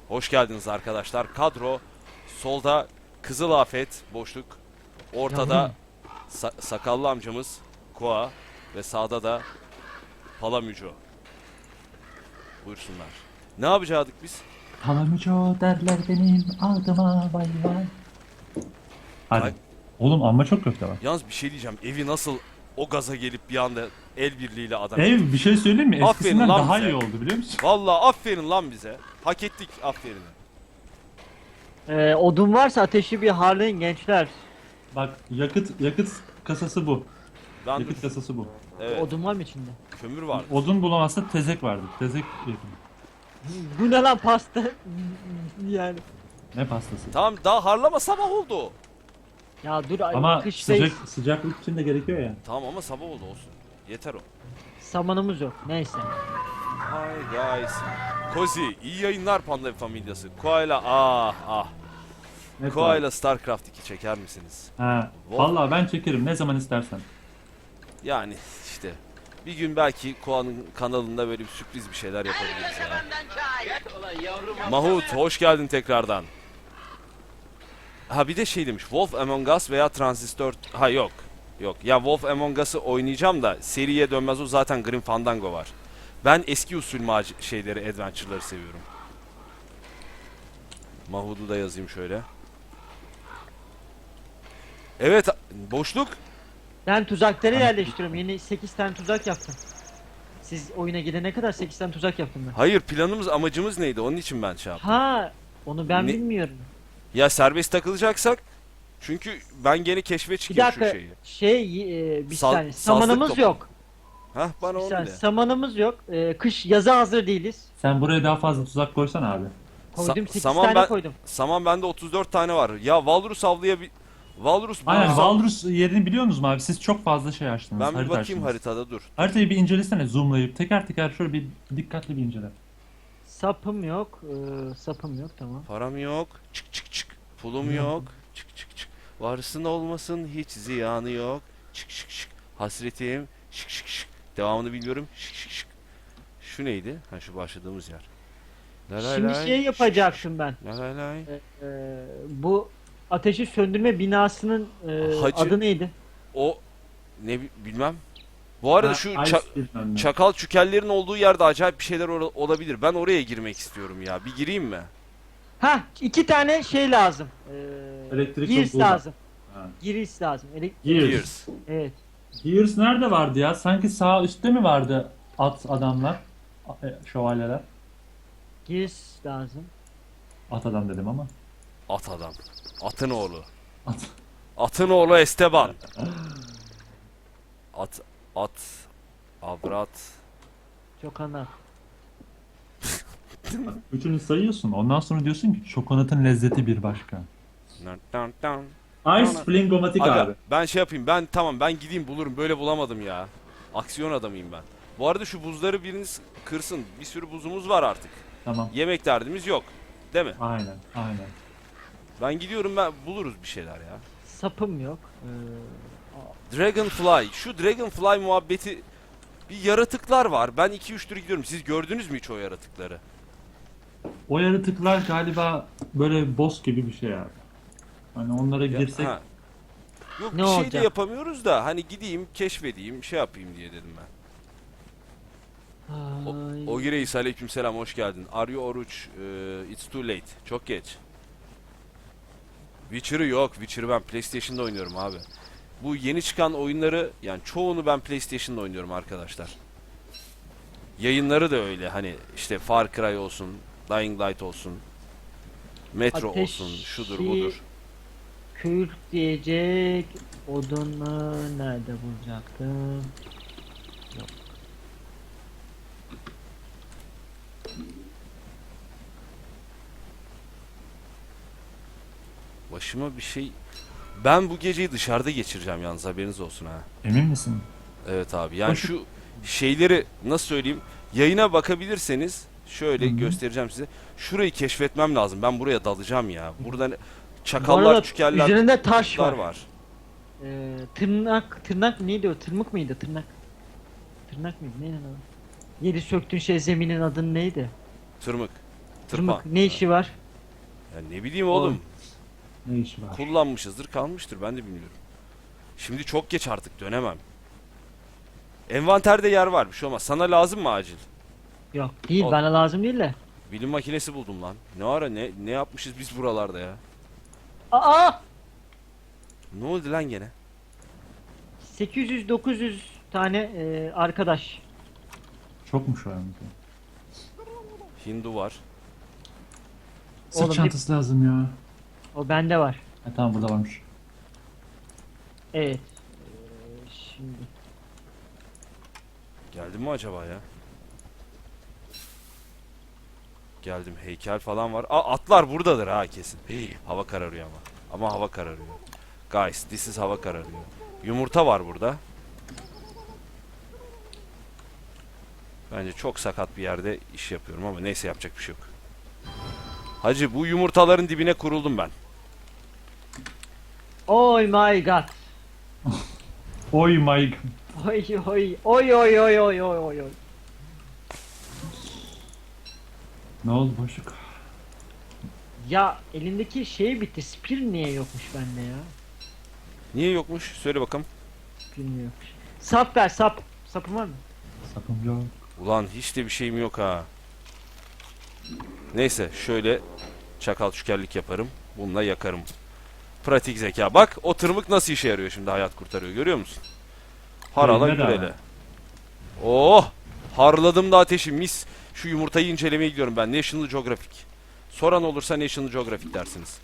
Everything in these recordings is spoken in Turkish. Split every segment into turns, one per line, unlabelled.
Hoş geldiniz arkadaşlar. Kadro solda Kızıl Afet boşluk. Ortada
Yavrum.
sakallı amcamız Koa ve sağda da Palamüco. Buyursunlar. Ne yapacaktık biz?
Palamüco derler benim altıma vay vay. Hadi.
Ay.
Oğlum amma çok köfte var.
Yalnız bir şey diyeceğim. Evi nasıl o gaza gelip bir anda el birliğiyle adam.
Ev bir şey söyleyeyim mi?
Aferin
Eskisinden
lan
daha
bize.
iyi oldu biliyor musun?
Vallahi aferin lan bize. Hak ettik aferin.
Odun varsa ateşi bir harlayın gençler.
Bak yakıt kasası bu.
Ben
Yakıt kasası bu.
evet,
Odun var mı içinde?
kömür var.
Odun bulamazsa tezek vardı. Tezek yakın.
Bu ne lan pasta? Yani.
Ne pastası?
Tamam daha harlama sabah oldu.
Ya dur
Ama
kıştayız.
sıcaklık için de gerekiyor ya.
Tamam ama sabah oldu olsun. Yeter o.
Samanımız yok. Neyse.
Hi guys. Kozi iyi yayınlar Panda Familyası. Koala ah.
Ne
Koala StarCraft 2 çeker misiniz?
Ha, vallahi ben çekerim ne zaman istersen.
Yani işte bir gün belki Koa'nın kanalında böyle bir sürpriz bir şeyler yapabiliriz ya. Mahut hoş geldin tekrardan. Ha bir de şey demiş Wolf Among Us veya Transistor. Ha yok. Yok ya Wolf Among Us'ı oynayacağım da seriye dönmez o zaten Grim Fandango var. Ben eski usul şeyleri, adventure'ları seviyorum. Mahud'u da yazayım şöyle. Evet, boşluk.
Ben tuzakları yerleştiriyorum. Yeni 8 tane tuzak yaptım. Siz oyuna gidene kadar 8 tane tuzak yaptım ben.
Hayır, planımız, amacımız neydi? Onun için ben şey yaptım.
Ha, onu ben
Ne-
bilmiyorum.
Ya serbest takılacaksak, çünkü ben gene keşfe
Bir
çıkıyorum şu
dakika.
şeyi.
Bir
Saz-
saniye.
sazlık
Samanımız
topu.
yok.
Hah, bana
Bir
onu
saniye.
de.
Samanımız yok. Kış yaza hazır değiliz.
Sen buraya daha fazla tuzak koysan abi.
Koydum 8
saman
tane
ben-
koydum.
Saman bende 34 tane var. Ya Valrus Valrus
Aynen
bulursam-
Valrus yerini biliyor musunuz abi? Siz çok fazla şey açtınız.
Ben bir
harita
bakayım
açtınız.
haritada dur.
Haritayı bir incelesene zoomlayıp teker teker şöyle bir dikkatli bir incele.
Sapım yok. Sapım yok tamam.
Param yok. Çık çık çık. Pulum yok. Çık çık çık. Varsın olmasın hiç ziyanı yok. Çık çık çık. Hasretim. Şık şık şık. Devamını bilmiyorum. Şık şık şık. Şu neydi? Ha şu başladığımız yer. La la
Şimdi
lay,
şey yapacaktım ben.
La la lay.
Bu ateşi söndürme binasının
Hacı-
adı neydi?
O ne bilmem. Bu arada
Ha,
şu
Ice bilmem ne.
çakal çükellerin olduğu yerde acayip bir şeyler olabilir. Ben oraya girmek istiyorum ya. Bir gireyim mi?
Ha, 2 tane şey lazım.
Elektrik
Gears
buldan.
lazım.
Ha.
Gears lazım.
Gears.
Evet.
Gears nerede vardı ya? Sanki sağ üstte mi vardı at adamlar? Şövalyeler.
Gears lazım.
At adam dedim ama.
At adam. Atın oğlu.
At.
Atın oğlu Esteban. At. Avrat.
Çok ana.
Bak, üçünü sayıyorsun. Ondan sonra diyorsun ki çokonatın lezzeti bir başka.
Dun dun.
Ice Flingomatik
Aga,
abi.
ben şey yapayım. Ben gideyim bulurum. Böyle bulamadım ya. Aksiyon adamıyım ben. Bu arada şu buzları biriniz kırsın. Bir sürü buzumuz var artık.
Tamam.
Yemek derdimiz yok. Değil mi?
Aynen. Aynen.
Ben gidiyorum, ben buluruz bir şeyler ya.
Sapım yok.
Dragonfly. Şu Dragonfly muhabbeti, bir yaratıklar var. Ben 2-3 tur gidiyorum. Siz gördünüz mü hiç o yaratıkları?
O yaratıklar galiba böyle boss gibi bir şey abi. Hani onlara
Ya,
girsek
ha. Yok
Ne
bir şey de
olacak?
yapamıyoruz da hani gideyim keşfedeyim şey yapayım diye dedim ben.
Ay.
Ogi Reis aleykümselam, hoş geldin. Are you oruç? It's too late. Çok geç. Witcher'ı yok. Witcher'ı ben PlayStation'da oynuyorum abi. Bu yeni çıkan oyunları yani çoğunu ben PlayStation'da oynuyorum arkadaşlar. Yayınları da öyle, hani işte Far Cry olsun, Dying Light olsun, Metro
Ateşi-
olsun, şudur budur.
Kürk diyecek odunu nerede bulacaktım?
Başıma bir şey... Ben bu geceyi dışarıda geçireceğim yalnız, haberiniz olsun ha.
emin misin?
Evet abi, yani
Başı-
şu şeyleri nasıl söyleyeyim, yayına bakabilirseniz şöyle
Hı hı.
göstereceğim size. Şurayı keşfetmem lazım, ben buraya dalacağım ya. Buradan
Bu
çakallar,
arada
çükeller,
üzerinde taş
kurtlar
var.
var.
Tırnak neydi o? Tırmık mıydı? Tırnak mıydı? Neydi o? Yedi söktüğün şey zeminin adı neydi?
Tırmık.
Tırmık ne işi var?
Ya ne bileyim oğlum.
Ne işi var?
Kullanmışızdır, kalmıştır, ben de bilmiyorum. Şimdi çok geç artık, dönemem. Envanterde yer var, bir şey olmaz. Sana lazım mı acil?
Yok değil,
Ol-
bana lazım değil de.
Bilim makinesi buldum lan. Ne ara ne yapmışız biz buralarda ya?
Aa!
Ne oldu lan gene?
800-900 tane arkadaş.
Çokmuş o yalnız.
Hindu var.
Sırt
Oğlum,
çantası lazım ya.
O bende var.
Ha, tamam burada varmış.
Evet. Şimdi
Geldim mi acaba ya? Geldim. Heykel falan var. Aa, atlar buradadır ha kesin. Hava kararıyor ama. Ama hava kararıyor. Guys, this is hava kararıyor. Yumurta var burada. Bence çok sakat bir yerde iş yapıyorum ama neyse, yapacak bir şey yok. Hacı, bu yumurtaların dibine kuruldum ben.
oh my god.
Oy my god.
Oy oy oy oy oy oy oy oy oy.
Ne oldu boşluk?
Ya elindeki şey bitti. Spear niye yokmuş bende ya?
Niye yokmuş? Söyle bakalım.
Bilmiyorum. Sap ver, sap. Sapın var mı?
Sapım yok.
Ulan hiç de bir şeyim yok ha. Neyse, şöyle çakal şükerlik yaparım. Bununla yakarım. Pratik zeka. Bak, o tırmık nasıl işe yarıyor şimdi, hayat kurtarıyor, görüyor musun? Harala
Elinde de
gürele.
var.
Oh! Harladım da ateşi, mis. Şu yumurtayı incelemeye gidiyorum ben. National Geographic. Soran olursa National Geographic dersiniz.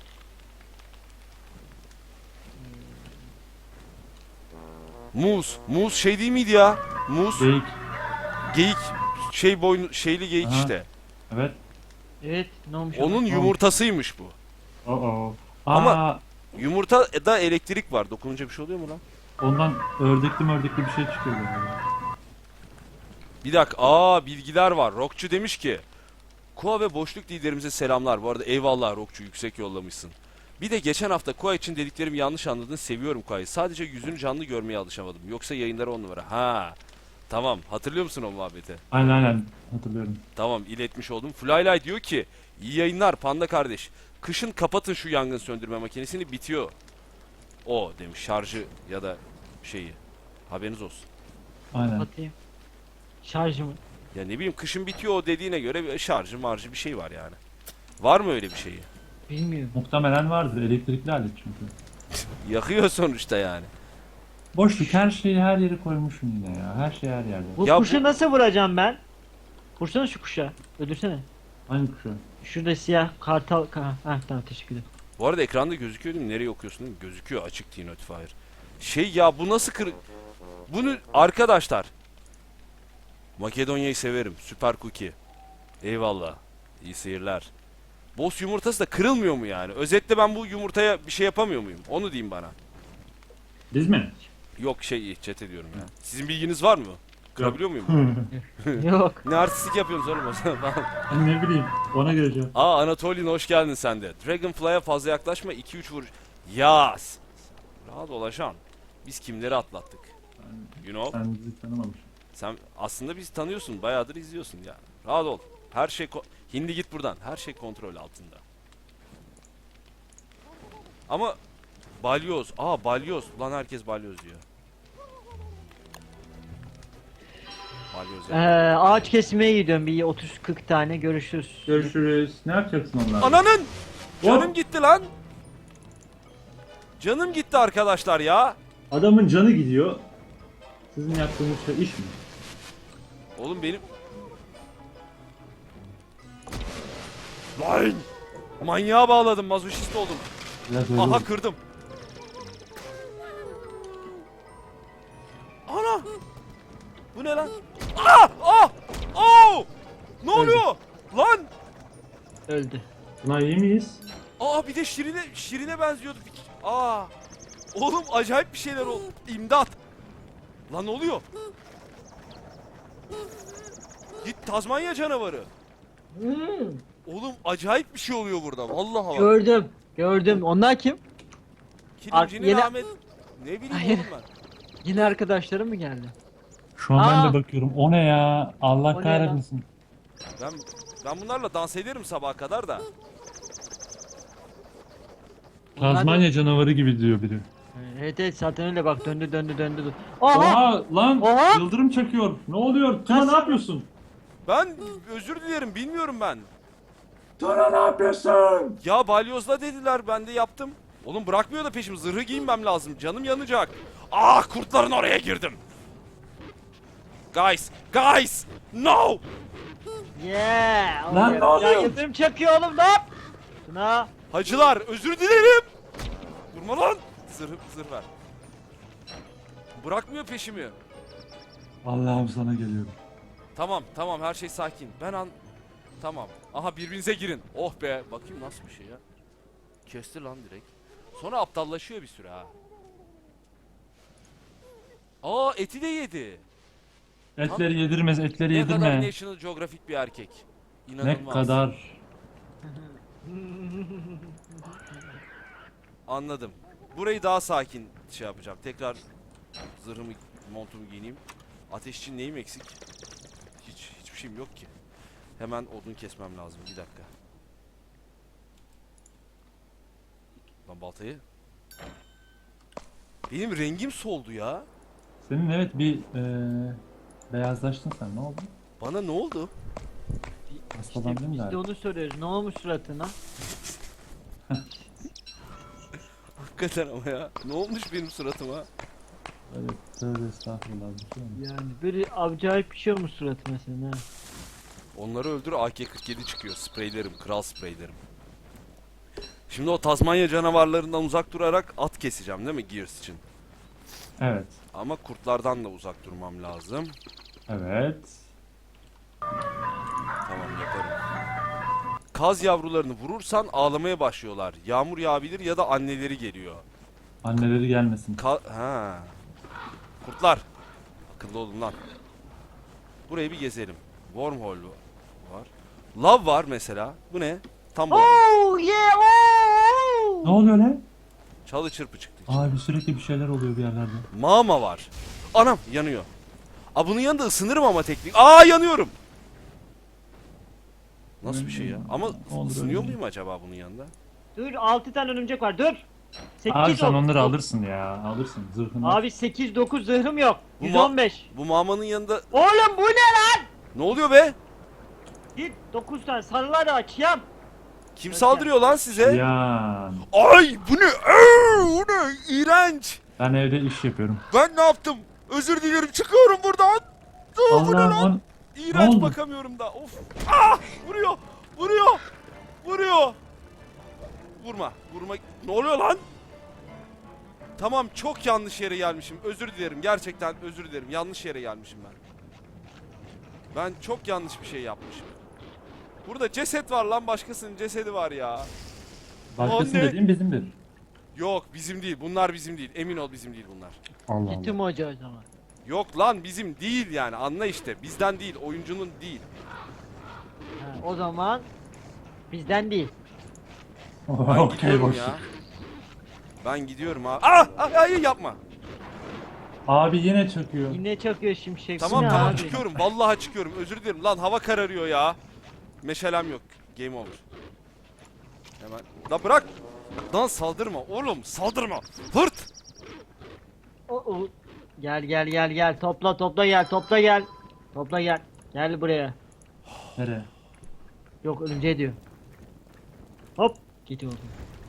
Muz. Muz şey değil miydi ya? Muz.
Geyik.
Geyik. Şey boynu, şeyli geyik
Aha.
işte.
Evet.
Evet, ne olmuş?
Onun yumurtasıymış bu.
Oo.
Ama-
Ama
Yumurtada elektrik var. Dokununca bir şey oluyor mu lan?
ondan ördekli bir şey çıkıyor böyle.
Bir dakika. Bilgiler var. Rockçu demiş ki, Kua ve boşluk liderimize selamlar. Bu arada eyvallah Rockçu, yüksek yollamışsın. Bir de geçen hafta Kua için dediklerimi yanlış anladın. Seviyorum Kua'yı. Sadece yüzünü canlı görmeye alışamadım. Yoksa yayınları 10 numara. Ha. Tamam. Hatırlıyor musun o muhabbeti?
Aynen hatırlıyorum.
Tamam, iletmiş oldum. Flylay diyor ki, iyi yayınlar Panda kardeş. Kışın kapatın şu yangın söndürme makinesini, bitiyor. O demiş, şarjı ya da şeyi. Haberiniz olsun.
Aynen.
Atayım. Şarjımı.
Ya ne bileyim, kışın bitiyor o dediğine göre bir şarjı marjı bir şey var yani. Var mı öyle bir şeyi?
Bilmiyorum.
Muhtemelen vardır. Elektrikli alet çünkü.
Yakıyor sonuçta yani.
Boşluk, her şeyi her yere koymuşum yine ya. Her şey her yerde.
Bu
Ya
kuşu
bu-
nasıl vuracağım ben? Vursana şu kuşa. Öldürsene.
Hangi kuşu?
Şurada siyah kartal. Tamam, teşekkür ederim.
Bu arada ekranda gözüküyor değil mi? Nereye okuyorsun değil mi? Gözüküyor, açık T-Notifier. Şey ya, bu nasıl Bunu arkadaşlar. Makedonya'yı severim. Süper cookie. Eyvallah. İyi seyirler. Boss yumurtası da kırılmıyor mu yani? Özetle ben bu yumurtaya bir şey yapamıyor muyum? Onu diyeyim bana.
Biz mi?
Yok, chat ediyorum ya. Sizin bilginiz var mı? Kırabiliyor muyum?
Yok.
Ne artistik yapıyorsunuz oğlum o zaman falan.
Hani ne bileyim. Ona göre cevap.
Anatolian, hoş geldin sen de. Dragonfly'a fazla yaklaşma, 2-3 vuruş. Yas. Rahat ol ajan. Biz kimleri atlattık? You know?
Sen bizi tanımamışsın.
Sen aslında bizi tanıyorsun, bayağıdır izliyorsun ya. Rahat ol. Her şey Hindi git buradan. Her şey kontrol altında. Ama balyoz. Balyoz. Ulan herkes balyoz diyor. Balyoz ya.
Ağaç kesmeye gidiyorum. Bir 30-40 tane. Görüşürüz.
Görüşürüz. Ne yapacaksın onlarla?
Ananın! Canım
Hop!
gitti lan. Canım gitti arkadaşlar ya.
Adamın canı gidiyor. Sizin yaptığınız şey iş mi?
Oğlum benim... Lan! Manyağa bağladım, mazoşist oldum.
Biraz öyle
Aha,
oldu.
kırdım. Ana! Bu ne lan? Ne oluyor? Lan!
Öldü.
Buna iyi miyiz?
Bir de Şirin'e benziyordu. Oğlum acayip bir şeyler oldu. İmdat! Lan ne oluyor? Git Tazmanya canavarı. Oğlum acayip bir şey oluyor burada. Vallahi bak.
Gördüm. Gördüm. Onlar kim?
Kilimcinin
yeni-
Ahmet. Ne bileyim
Hayır.
oğlum ben.
Yine arkadaşlarım mı geldi?
Şu an ben
Aa!
de bakıyorum. O ne ya? Allah
O ne
kahretmesin.
Ben Ben bunlarla dans ederim sabaha kadar da.
Tazmanya canavarı gibi diyor biri.
Evet evet zaten öyle bak döndü döndü döndü. Oha!
Oha lan
Oha!
yıldırım çakıyor. Ne oluyor? Tuna ne
Nasıl?
yapıyorsun?
Ben özür dilerim, bilmiyorum ben.
Tuna ne yapıyorsun?
Ya balyozla dediler, ben de yaptım. Oğlum bırakmıyor da peşim, zırhı giyinmem lazım, canım yanacak. Ah, kurtların oraya girdim. Guys, no!
Yeah!
Lan ne oluyor?
Ya yıldırım çakıyor oğlum lan! Tuna!
Hacılar, özür dilerim. Durma lan. Zırh ver. Bırakmıyor peşimi.
Allah'ım sana geliyorum.
Tamam, her şey sakin. Tamam. Aha, birbirinize girin. Oh be. Bakayım nasıl bir şey ya. Kesti lan direkt. Sonra aptallaşıyor bir süre ha. Aa, eti de yedi.
Etleri yedirmez, etleri
Ne kadar
yedirme.
National Geographic bir erkek.
Ne
İnanılmaz.
kadar.
Anladım. Burayı daha sakin şey yapacağım. Tekrar zırhımı, montumu giyineyim. Ateş için neyim eksik? Hiçbir şeyim yok ki. Hemen odun kesmem lazım. Bir dakika. Lan baltayı. Benim rengim soldu ya.
Senin evet bir beyazlaştın sen, ne oldu?
Bana ne oldu?
Hastalandın
Biz de
galiba.
onu soruyoruz. Ne olmuş suratına?
Hakikaten ama ya. Ne olmuş benim suratıma?
Evet, tövbe estağfurullah. Bir şey olmuş.
Yani böyle acayip bir şey olmuş suratına senin ha.
Onları öldür, AK-47 çıkıyor. Spreylerim, kral spreylerim. Şimdi o Tazmanya canavarlarından uzak durarak at keseceğim değil mi Gears için?
Evet,
Ama kurtlardan da uzak durmam lazım.
evet.
Tamam, yaparım. Kaz yavrularını vurursan ağlamaya başlıyorlar. Yağmur yağabilir ya da anneleri geliyor.
Anneleri gelmesin.
Ha. Kurtlar. Akıllı olun lan. Burayı bir gezelim. Wormhole var. Lav var mesela. Bu ne? Tam bu.
Oh yeah! Oh!
Ne oluyor lan?
Çalı çırpı çıktı.
Abi sürekli bir şeyler oluyor bir yerlerde.
Mağma var. Anam, yanıyor. Aa, bunun yanında ısınırım ama teknik. Aa, yanıyorum. Nasıl bir şey ya? Ama
Olur,
ısınıyor
öyle.
muyum acaba bunun yanında?
Dur 6 tane örümcek var dur. 8
Abi sen onları alırsın ya, alırsın zırhını.
Abi 8 9 zırhım yok.
Bu ma-
115.
Bu mağmanın yanında
Oğlum bu ne lan?
ne oluyor be?
Git 9 tane sarılar açayım.
Kim
Yok
saldırıyor lan size?
Ya
Ay, bu ne? Bu ne? İğrenç.
ben evde iş yapıyorum.
Ben ne yaptım? Özür dilerim, çıkıyorum buradan. Bu ne lan?
Allah'ım
İğrenç,
oldu?
bakamıyorum da. Of. Ah! Vuruyor. Vurma. Ne oluyor lan? Tamam, çok yanlış yere gelmişim. Özür dilerim. Gerçekten özür dilerim. Yanlış yere gelmişim ben. Ben çok yanlış bir şey yapmışım. Burada ceset var lan. Başkasının cesedi var ya.
başkasının
Anne.
dediğin bizimdir.
Yok, bizim değil. Bunlar bizim değil. Emin ol, bizim değil bunlar.
Allah
Gittim
Allah.
hoca o zaman.
Yok lan, bizim değil yani. Anla işte. Bizden değil. Oyuncunun değil.
Ha, o zaman bizden değil.
Ben
Okey
gidiyorum
boş.
ya. Ben gidiyorum abi. Hayır, yapma.
Abi yine çöküyor.
Yine çakıyor şimşek. Bu
Tamam
ne
tamam,
abi?
çıkıyorum. Vallahi çıkıyorum. Özür dilerim. Lan hava kararıyor ya. Meşalem yok. Game over. Hemen. La bırak. Lan saldırma oğlum. Saldırma. Hırt.
O. Gel. Topla gel. Topla gel. Gel buraya.
Nereye?
Yok örümceğe diyor. Hop. Git oğlum.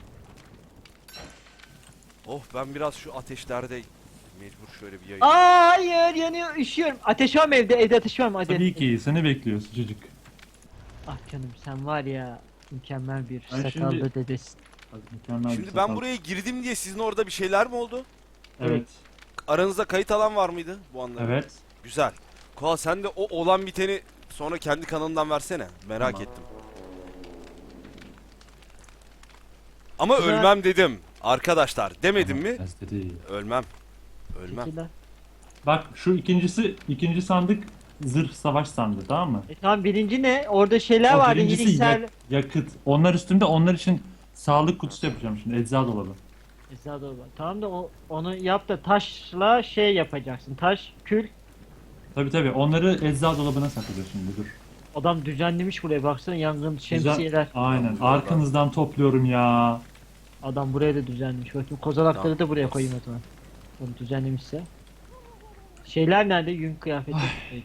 Oh, ben biraz şu ateşlerde mecbur şöyle bir yayayım.
Aa, hayır yanıyor üşüyorum. Ateş var mı evde? Evde ateş var mı? Hadi.
Tabii ki seni bekliyor sıcacık.
Ah canım sen var ya mükemmel bir
Ben
sakallı
şimdi-
dedesin.
Hadi mükemmel bir
Şimdi
sakal.
ben buraya girdim diye sizin orada bir şeyler mi oldu?
Evet.
Aranızda kayıt alan var mıydı bu anlarda?
Evet.
Güzel. Koa, sen de o olan biteni sonra kendi kanalından versene. Merak
Tamam.
ettim. Ama
Güzel.
ölmem dedim. Arkadaşlar demedim mi?
Az dedi.
Ölmem. Ölmem.
Teşekkürler.
Bak şu ikinci sandık zırh savaş sandığı, tamam mı?
Tamam birinci ne? Orada şeyler
O
vardı.
birincisi
İyilikser.
yakıt. Onlar üstünde, onlar için sağlık kutusu yapacağım şimdi, ecza dolabı.
Esra doğru. Tamam da onu yap da taşla şey yapacaksın. Taş, kül.
Tabi onları ecza dolabına saklayacağız şimdi, dur.
Adam düzenlemiş buraya baksana, yangın şemsiyeler.
Aynen. Arkanızdan topluyorum ya.
Adam buraya da düzenlemiş. Bakayım kozalakları
Tamam.
da buraya koyayım o zaman. Onu düzenlemişse. Şeyler nerede? Yün kıyafeti.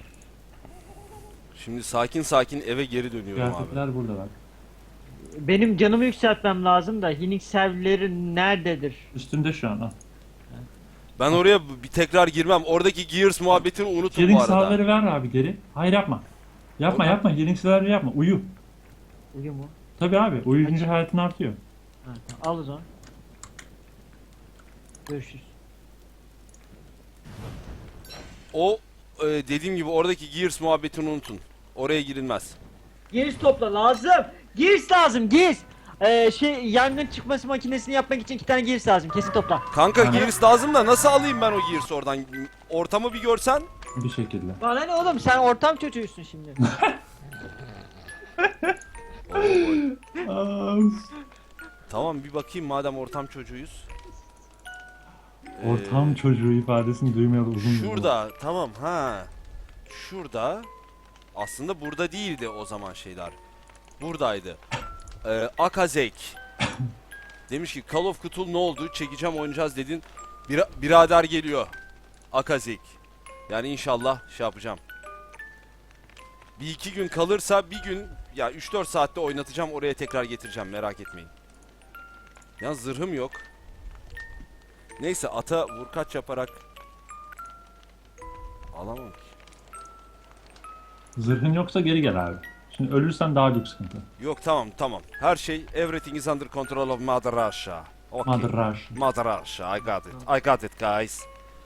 Şimdi sakin sakin eve geri dönüyorum abi.
Kıyafetler burada bak.
Benim canımı yükseltmem lazım da Hinix serverleri nerededir?
Üstünde şu an. Ha.
Ben oraya bir tekrar girmem. Oradaki Gears muhabbetini unutun bu
Healing
arada.
salveleri ver abi geri. Hayır yapma. Yapma
Orada-
yapma. Healing salveleri yapma. Uyu.
Uyuyor mu?
Tabii abi. Uyuyunca hayatın artıyor.
Ha, tamam. Al o zaman. Görüşürüz.
O dediğim gibi oradaki Gears muhabbetini unutun. Oraya girilmez.
Giriş topla lazım. Giriş lazım giriş. Yangın çıkması makinesini yapmak için 2 tane giriş lazım. Kesin topla.
Kanka
Aynen.
Gears lazım da nasıl alayım ben o Gears'ı oradan? Ortamı bir görsen.
Bir şekilde.
Bana ne oğlum, sen ortam çocuğusun şimdi.
Tamam bir bakayım madem ortam çocuğuyuz.
Ortam çocuğu ifadesini duymayalı uzun bir zaman.
Şurada tamam ha. Şurada. Aslında burada değildi o zaman şeyler. Buradaydı. Akazek. Demiş ki Call of Cthulhu ne oldu? Çekeceğim oynayacağız dedin. Birader geliyor. Akazek. Yani inşallah şey yapacağım. Bir iki gün kalırsa bir gün ya 3-4 saatte oynatacağım, oraya tekrar getireceğim, merak etmeyin. Ya zırhım yok. Neyse ata vurkaç yaparak alamam ki.
Zırhın yoksa geri gel abi. Şimdi ölürsen daha büyük sıkıntı.
Yok tamam. Her şey everything is under control of Mother Russia. Okay.
Mother Rush.
Mother Russia. I got it. I got it guys.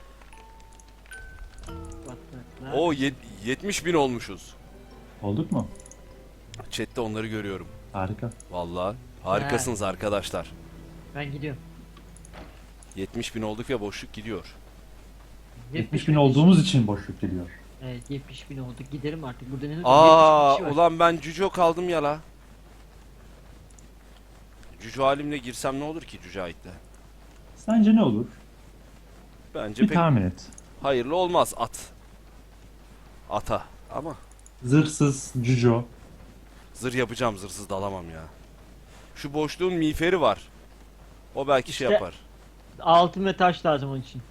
O 70.000 olmuşuz.
Olduk mu?
Chat'te onları görüyorum.
Harika.
Vallahi harikasınız arkadaşlar.
Ben gidiyorum.
70.000 olduk ve boşluk gidiyor.
70 bin olduğumuz için boşluk geliyor.
Evet 70.000 olduk, giderim artık. Burada ne 70.000
Aa
kişi var.
ulan ben cüco kaldım ya la. Cüco halimle girsem ne olur ki Cücahit'le?
Sence ne olur?
Bence
Bir
pek
tahmin et.
hayırlı olmaz at. Ata ama
Zırhsız Cüco.
zırh yapacağım, zırhsız dalamam ya. Şu boşluğun miğferi var. O belki şey
İşte-
yapar.
Altın ve taş lazım onun için.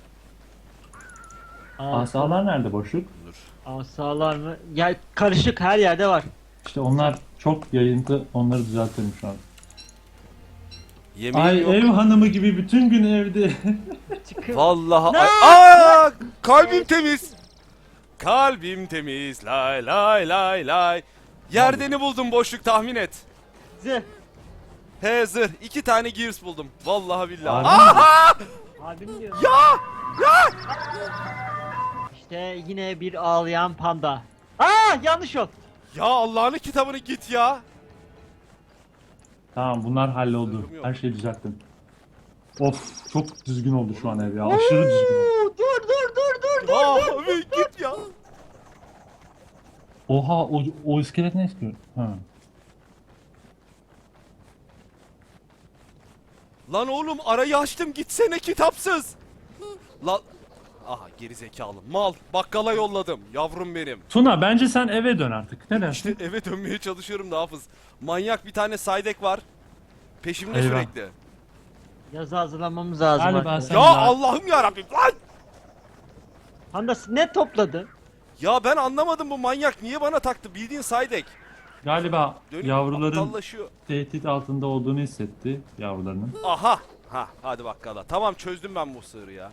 Asalar nerede boşluk?
Dur.
Asalar mı? Ya karışık, her yerde var.
İşte onlar çok yayıntı. Onları düzeltelim şu an.
Yemeğim
Ay
yok.
ev hanımı gibi bütün gün evde.
Çıkın.
Vallahi
Ne?
Aa, kalbim temiz. Kalbim temiz. Lay lay lay lay. Yerdeni buldum, boşluk tahmin et.
Zırh.
He zırh. 2 tane Gears buldum. Vallahi billahi.
Harbi mi?
Abim diyor.
Ya!
İşte yine bir ağlayan panda. Yanlış yol.
Ya Allah'ın kitabını git ya.
Tamam bunlar halloldu.
Zırhım yok.
Her şeyi düzelttim. Of çok düzgün oldu şu an ev ya. Aşırı düzgün oldu.
Dur.
Abi git ya.
Oha o iskelet ne istiyor? Ha.
Lan oğlum arayı açtım, gitsene kitapsız. Lan aha geri zekalı mal, bakkala yolladım yavrum benim.
Tuna bence sen eve dön artık. Ne
İşte
dersin?
eve dönmeye çalışıyorum da Hafız. Manyak bir tane Saydek var. Peşimde
Eyvah.
sürekli.
Yazı hazırlamamız lazım
Galiba
artık.
sen-
Ya
daha-
Allah'ım yarabbim lan!
Panda ne topladı?
Ya ben anlamadım, bu manyak niye bana taktı, bildiğin Saydek.
Galiba
Dönüp
yavruların
aptallaşıyor.
tehdit altında olduğunu hissetti yavrularının.
Aha! Ha hadi bakkala. Tamam çözdüm ben bu sığırı ya.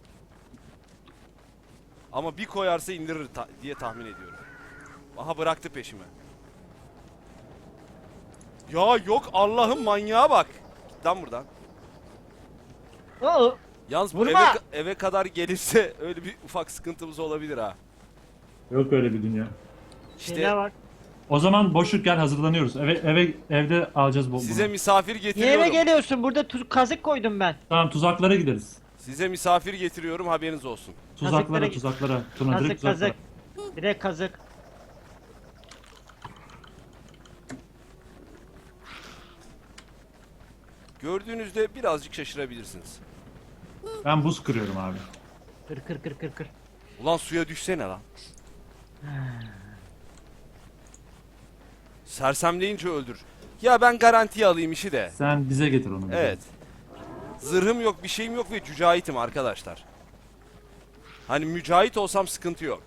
Ama bir koyarsa indirir diye tahmin ediyorum. Aha bıraktı peşimi. Ya yok Allah'ım, manyağa bak. Git lan buradan.
Oo.
Yalnız bu
Vurma!
eve kadar gelirse öyle bir ufak sıkıntımız olabilir ha.
Yok öyle bir dünya.
İşte
Şeyler var.
O zaman boşluk gel hazırlanıyoruz. Evde alacağız bu.
size misafir
Niye
getiriyorum.
eve geliyorsun? Burada kazık koydum ben.
Tamam tuzaklara gideriz.
Size misafir getiriyorum, haberiniz olsun.
Tuzaklara.
Kazık
Tuna direkt tuzaklara.
kazık. Direkt kazık.
Gördüğünüzde birazcık şaşırabilirsiniz.
Ben buz kırıyorum abi.
Kır.
Ulan suya düşsene lan. Sersemleyince öldür. Ya ben garantiye alayım işi de.
Sen bize getir onu. bize.
Evet. Zırhım yok, bir şeyim yok ve cücahitim arkadaşlar. Hani mücahit olsam sıkıntı yok.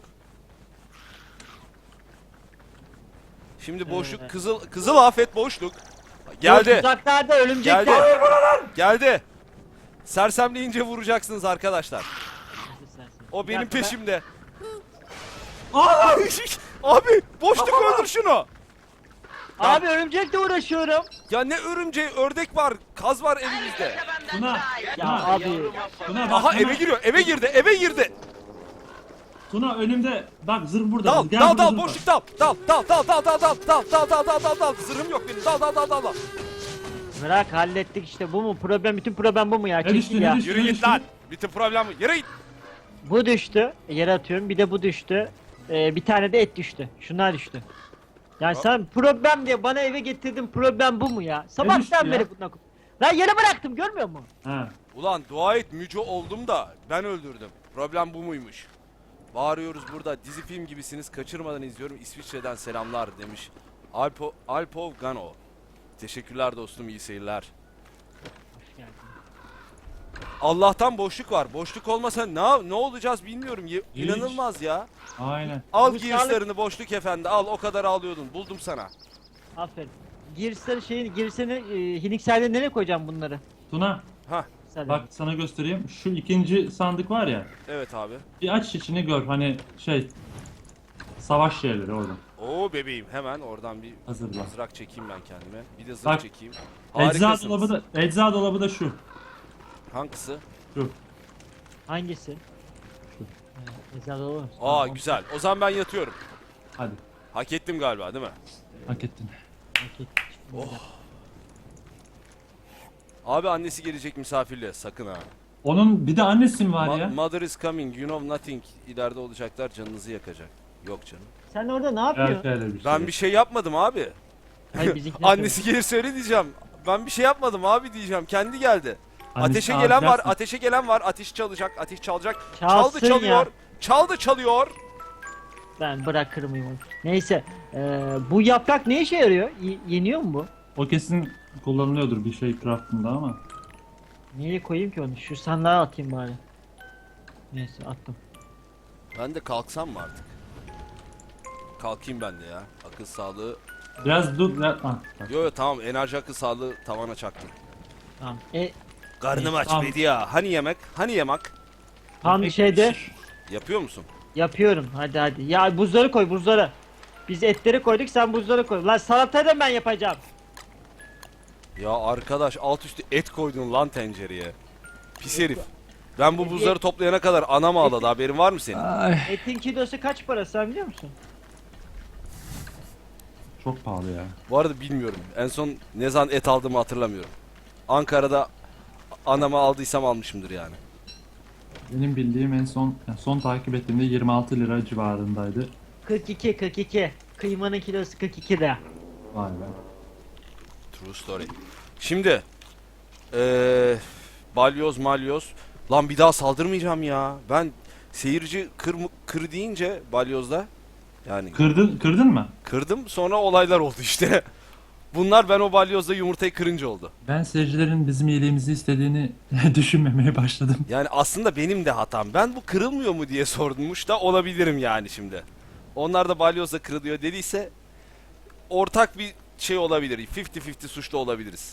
Şimdi boşluk, kızıl afet boşluk. Geldi.
Yok, uzaklarda örümcekler.
Geldi. Geldi. Sersemleyince vuracaksınız arkadaşlar. O benim
dakika, ben-
peşimde. Abi boşluk öldür şunu.
Abi örümcekle uğraşıyorum.
Ya ne örümceği, ördek var, kaz var elimizde.
Tuna.
Ya
Tuna.
abi.
Tuna bak.
Aha
Tuna,
eve giriyor, eve girdi, eve girdi.
Tuna önümde. Bak zırh burada.
Dal,
Gel
dal,
burada
dal,
zırh var.
boşluk dal. Dal, dal, dal, dal, dal, dal, dal, dal, dal, dal, dal, dal. Zırhım yok benim. Dal, dal, dal, dal, dal.
Bırak hallettik işte, bu mu problem, bütün problem bu mu ya?
Ne düştü,
Çekil
ne
ya.
düştü?
Yürü git lan. Bütün problem bu. Yürü git.
Bu düştü. Yere atıyorum. Bir de bu düştü. Bir tane de et düştü. Şunlar düştü. Yani sen problem diye bana eve getirdin, problem bu mu ya?
düştü
Sabahtan
ya?
beri bundan. Lan yere bıraktım, görmüyor musun?
Ha.
Ulan dua et müco oldum da ben öldürdüm. Problem bu muymuş? Bağırıyoruz burada, dizi film gibisiniz, kaçırmadan izliyorum, İsviçre'den selamlar demiş. Alpov Gano. Teşekkürler dostum, iyi seyirler.
Hoş geldin.
Allah'tan boşluk var. Boşluk olmasa ne olacağız bilmiyorum. İnanılmaz ya.
Aynen.
Al
Bu
gearslarını boşluk efendi, al, o kadar ağlıyordun. Buldum sana.
Aferin. Girseni Hiniksel'de nereye koyacağım bunları?
Tuna.
Hah,
Sen
Bak sana göstereyim. Şu ikinci sandık var ya.
evet abi.
Bir aç içini gör. Hani şey. Savaş şeyleri orada.
Oo bebeğim, hemen oradan bir
Hazırla.
mızrak çekeyim ben kendime. Bir de zırh
Bak,
çekeyim.
Ecza dolabı da şu.
Hangisi?
Şu.
hangisi? Ezan olur.
Aa güzel. O zaman ben yatıyorum.
Hadi.
Hak ettim galiba değil mi?
Hak ettin.
Abi annesi gelecek misafirle, sakın ha.
Onun bir de annesi mi var ya?
Mother is coming, you know nothing. İleride olacaklar, canınızı yakacak. Yok canım.
Sen orada ne
Evet,
yapıyorsun?
öyle bir şey.
Ben bir şey yapmadım abi.
Hayır, bizimkiler
Annesi gelirse öyle diyeceğim. Ben bir şey yapmadım abi diyeceğim. Kendi geldi.
Annesi
Ateşe gelen var,
ağlayacaksın.
ateşe gelen var. Ateş çalacak, ateş çalacak.
Çalsın
Çaldı çalıyor.
ya.
Çaldı çalıyor.
Ben bırakırım onu. Neyse. Bu yaprak ne işe yarıyor? Yeniyor mu bu?
O kesin kullanılıyordur bir şey craftında ama.
Nereye koyayım ki onu? Şu sandığa atayım bari. Neyse, attım.
Ben de kalksam mı artık? Kalkayım ben de ya. Akıl sağlığı.
Biraz dur. Bak.
Yo tamam, enerji akıl sağlığı tavana çaktım.
Tamam.
Karnım aç
Tamam.
Bedi ya. Hani yemek? Hani yemek?
Tam şeyde
Yapıyor musun?
yapıyorum. Hadi. Ya buzları koy, buzları. Biz etleri koyduk, sen buzları koy. Lan salatayı da ben yapacağım.
Ya arkadaş, alt üstü et koydun lan tencereye. Pis herif. Ben bu buzları toplayana kadar anam ağladı, haberin var mı senin?
Ay.
Etin kilosu kaç para, sen biliyor musun?
Çok pahalı ya.
Bu arada bilmiyorum. En son ne zaman et aldığımı hatırlamıyorum. Ankara'da anama aldıysam almışımdır yani.
Benim bildiğim en son takip ettiğimde 26 lira civarındaydı.
42. Kıymanın kilosu 42 lira.
Vay be.
True story. Şimdi balyoz malyoz. Lan bir daha saldırmayacağım ya. Ben seyirci kır deyince balyozda yani
Kırdın mı?
kırdım, sonra olaylar oldu işte. Bunlar ben o balyozda yumurtayı kırınca oldu.
Ben seyircilerin bizim iyiliğimizi istediğini düşünmemeye başladım.
Yani aslında benim de hatam. Ben bu kırılmıyor mu diye sormuş da olabilirim yani şimdi. Onlar da balyozla kırılıyor dediyse ortak bir şey olabilir. 50-50 suçlu olabiliriz.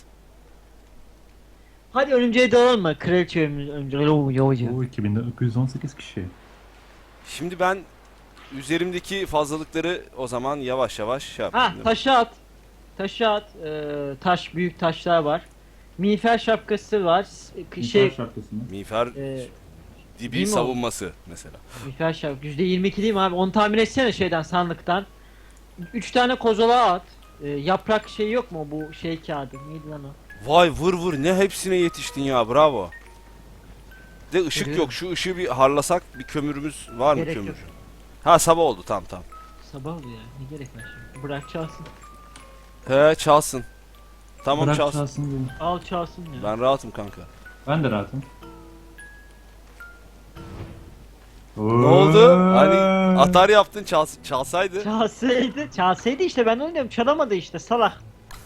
Hadi örümceğe dalalım mı? Kraliçe örümceği.
O 2918 kişi.
Şimdi ben üzerimdeki fazlalıkları o zaman yavaş yavaş şey
Ha,
yapayım.
taşı at. Taşı at. Taş, büyük taşlar var. Miğfer şapkası var. Şey,
şapkasını.
Miğfer
e,
dibi
değil mi o?
savunması mesela.
miğfer şapkası. %22 değil mi abi? Onu tahmin etsene şeyden, sandıktan. 3 tane kozalağa at. Yaprak şey yok mu, bu şey kağıdı? Neydi lan o?
Vay vır vır, ne hepsine yetiştin ya, bravo. De ışık
Görüyorum.
yok, şu ışığı bir harlasak, bir kömürümüz var mı
Gerek
kömür?
yok.
Ha sabah oldu, tamam.
Sabah oluyor ya. Ne gerek var şimdi? Bırak çalsın.
He çalsın. Tamam
Bırak
çalsın.
çalsın diye.
Al çalsın ya.
Ben rahatım kanka.
Ben de rahatım.
Ne oldu? Hani atar yaptın çalsaydı.
Çalsaydı işte ben oynuyorum. Çalamadı işte salak.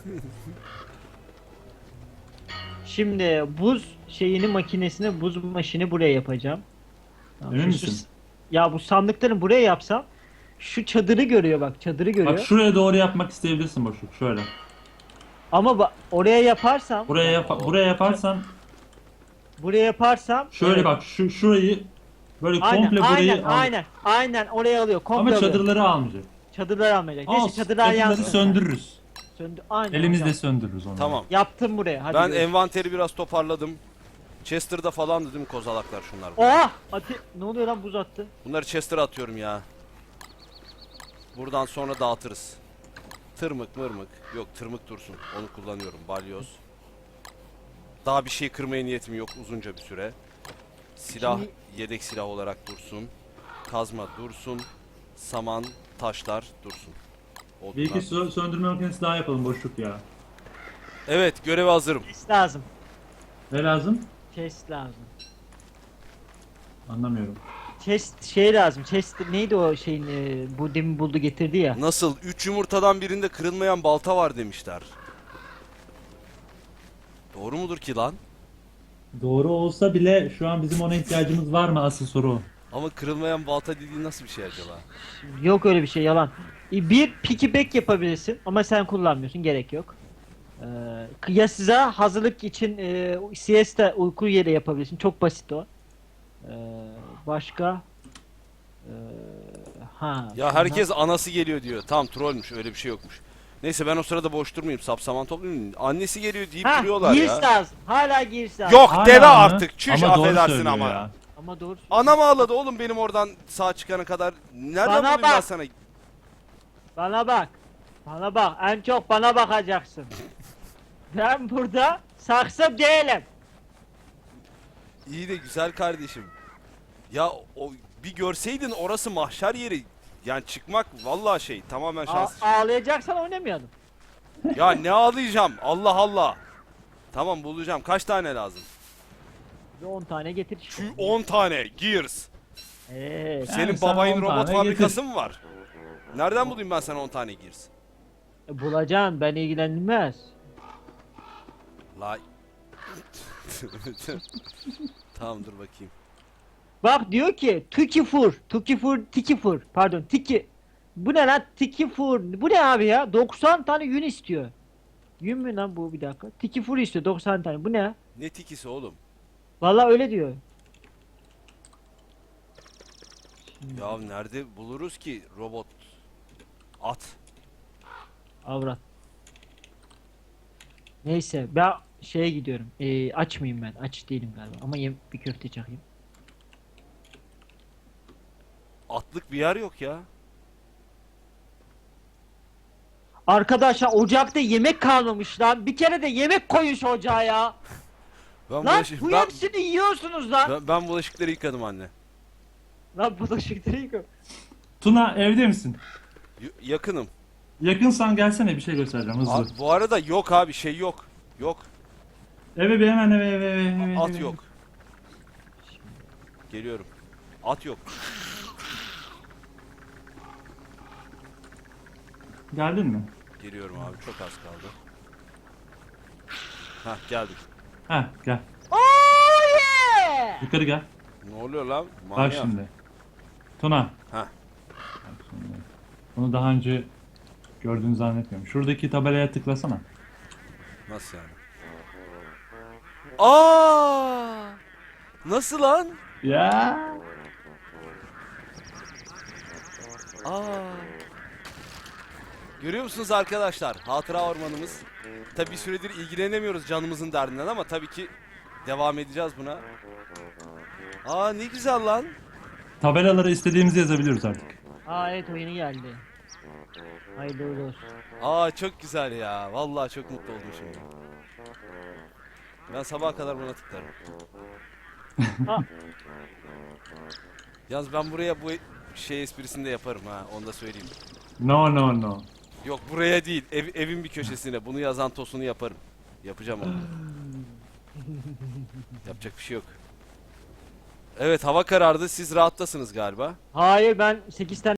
Şimdi buz şeyini makinesini buz maşini buraya yapacağım. Tamam,
Emin
şu-
misin?
Ya bu sandıkları buraya yapsam şu çadırı görüyor bak çadırı görüyor.
Bak şuraya doğru yapmak isteyebilirsin boşluk şöyle.
Ama oraya yaparsam
Buraya yaparsan
buraya yaparsam
şöyle
evet.
bak şurayı böyle
Aynen
komple burayı al.
aynen oraya alıyor komple
Ama
alıyor.
çadırları almayacak.
Çadırlar almayacak. Neyse
Al,
çadırlar
çadırları
yansın.
söndürürüz.
Aynen
Elimizle
hocam.
söndürürüz onu.
Tamam.
Yaptım buraya. Hadi
Ben
görüşürüz.
envanteri biraz toparladım. Chester'da falan dedim kozalaklar şunlar.
Oha! Ne oluyor lan buz attı.
Bunları Chester'a atıyorum ya. Buradan sonra dağıtırız. Tırmık mırmık. Yok tırmık dursun. Onu kullanıyorum. Balyoz. Daha bir şey kırmaya niyetim yok uzunca bir süre. Silah
Şimdi-
yedek silah olarak dursun. Kazma dursun. Saman, taşlar dursun.
Bir iki
Odunlar.
söndürme makinesi daha yapalım boşluk ya.
Evet göreve hazırım.
Chest lazım.
Ne lazım?
Chest lazım.
Anlamıyorum.
Chest şey lazım. Chest neydi o şeyin bu demin buldu getirdi ya.
Nasıl? 3 yumurtadan birinde kırılmayan balta var demişler. Doğru mudur ki lan?
Doğru olsa bile şu an bizim ona ihtiyacımız var mı asıl soru o.
Ama kırılmayan balta dediğin nasıl bir şey acaba?
Yok öyle bir şey yalan. Bir piggyback yapabilirsin ama sen kullanmıyorsun gerek yok. Ya size hazırlık için siesta uyku yeri yapabilirsin. Çok basit o. Başka Ee,
Ya herkes anası geliyor diyor. Tamam trollmüş öyle bir şey yokmuş. Neyse ben o sırada boş durmayayım. Sapsaman toplayayım. Annesi geliyor deyip duruyorlar
giriş
ya.
lazım. Hala giriş lazım.
Yok
Hala
deve
mı?
artık. Çüş
Ama doğru
affedersin
söylüyor
ama.
ya.
Ama doğru.
Anam ağladı oğlum benim oradan sağ çıkana kadar. Nereden
Bana
bulayım ben
bak.
sana?
Bana bak. Bana bak. En çok bana bakacaksın. Ben burada saksı değilim.
İyi de güzel kardeşim. Ya o bir görseydin orası mahşer yeri. Yani çıkmak vallahi şey tamamen şans.
Ağlayacaksan oynamayalım.
Ya ne ağlayacağım? Allah Allah. Tamam bulacağım. Kaç tane lazım?
Bir 10 tane getir.
Şu 10 tane Gears. Senin
Yani sen
babayın
10
robot
tane
fabrikası mı var? Nereden bulayım ben sana 10 tane Gears?
Bulacaksın ben ilgilenmez.
La. Tamam dur bakayım.
Bak diyor ki Tukifur pardon Tiki. Bu ne lan Tikifur bu ne abi ya 90 tane yün istiyor. Yün mü lan bu bir dakika Tikifur istiyor 90 tane bu ne?
Ne tikisi oğlum?
Vallahi öyle diyor.
Ya nerede buluruz ki robot? At.
Avrat. Neyse ben şeye gidiyorum. Aç mıyım ben? Aç değilim galiba ama bir köfte çakayım.
Atlık bir yer yok ya.
Arkadaşlar ocakta yemek kalmamış lan. Bir kere de yemek koyun şu ocağa ya.
Ben,
Lan
bulaş-
bu
ben,
hepsini yiyorsunuz lan.
ben bulaşıkları yıkadım anne.
Lan bulaşıkları yıkıyor.
Tuna evde misin?
Yakınım.
Yakınsan gelsene bir şey göstereceğim hızlı.
Abi, bu arada yok abi şey yok. Yok.
Eve bir hemen eve.
At yok. Geliyorum. At yok.
Geldin mi?
Geliyorum abi çok az kaldı. Hah geldim.
Heh gel.
Oh yeah!
Yukarı gel.
Ne oluyor lan?
Bak
Manyak.
şimdi. Tuna.
Heh.
Bak şimdi. Bunu daha önce gördüğünü zannetmiyorum. Şuradaki tabelaya tıklasana.
Nasıl yani? Aa! Nasıl lan?
Ya.
Aa! Görüyor musunuz arkadaşlar? Hatıra ormanımız. Tabi bir süredir ilgilenemiyoruz canımızın derdinden ama tabii ki devam edeceğiz buna. Aa ne güzel lan.
Tabelalara istediğimizi yazabiliyoruz artık.
Aa evet o yeni geldi. Hayırlı uğurlu olsun.
Aa çok güzel ya. Vallahi çok mutlu oldum şimdi. Ben sabaha kadar buna tıklarım.
Ha.
Yalnız ben buraya bu şey esprisini de yaparım ha. Onu da söyleyeyim.
No.
Yok buraya değil. Evin bir köşesine. Bunu yazan tosunu yaparım. Yapacağım onu. Yapacak bir şey yok. Evet, hava karardı. Siz rahattasınız galiba.
Hayır, ben 8 tane